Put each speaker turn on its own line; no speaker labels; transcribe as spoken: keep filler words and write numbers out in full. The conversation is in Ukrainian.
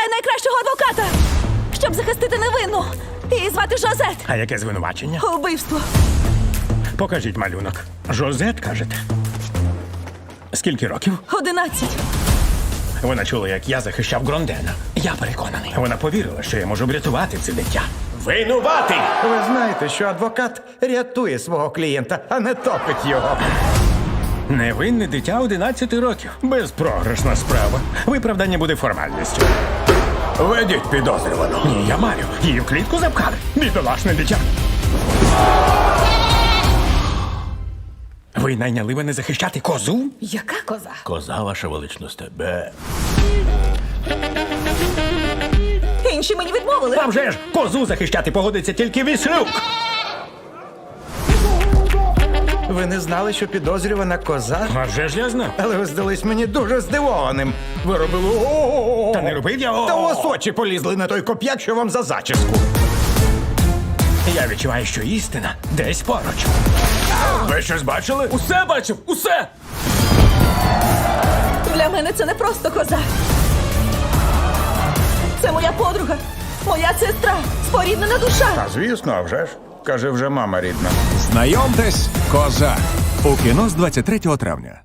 шукаю найкращого адвоката, щоб захистити невинну. Її звати Жозет.
А яке звинувачення?
Убивство.
Покажіть малюнок. Жозет, кажете? Скільки років?
Одинадцять.
Вона чула, як я захищав Грондена. Я переконаний. Вона повірила, що я можу врятувати це дитя. Винуватий!
Ви знаєте, що адвокат рятує свого клієнта, а не топить його.
Невинне дитя одинадцяти років. Безпрограшна справа. Виправдання буде формальністю. Ведіть підозрювану. Ні, я маю. Її в клітку запхали. Бідолашне дитя. Ви найняли мене захищати козу?
Яка коза?
Коза, ваша величність, тебе.
Інші мені відмовили.
Там же ж козу захищати погодиться тільки Віслюк.
Ви не знали, що підозрювана коза?
А вже ж я знав.
Але ви здались мені дуже здивованим. Ви робили о-о-о.
Та не робив я.
Та у вас очі полізли на той коп'як, що вам за зачіску.
Я відчуваю, що істина десь поруч. Ви щось бачили?
Усе бачив, усе!
Для мене це не просто коза. Це моя подруга, моя сестра, споріднена душа.
А звісно, а вже ж. Каже, вже мама рідна.
Знайомтесь, коза. У кіно з двадцять третього травня.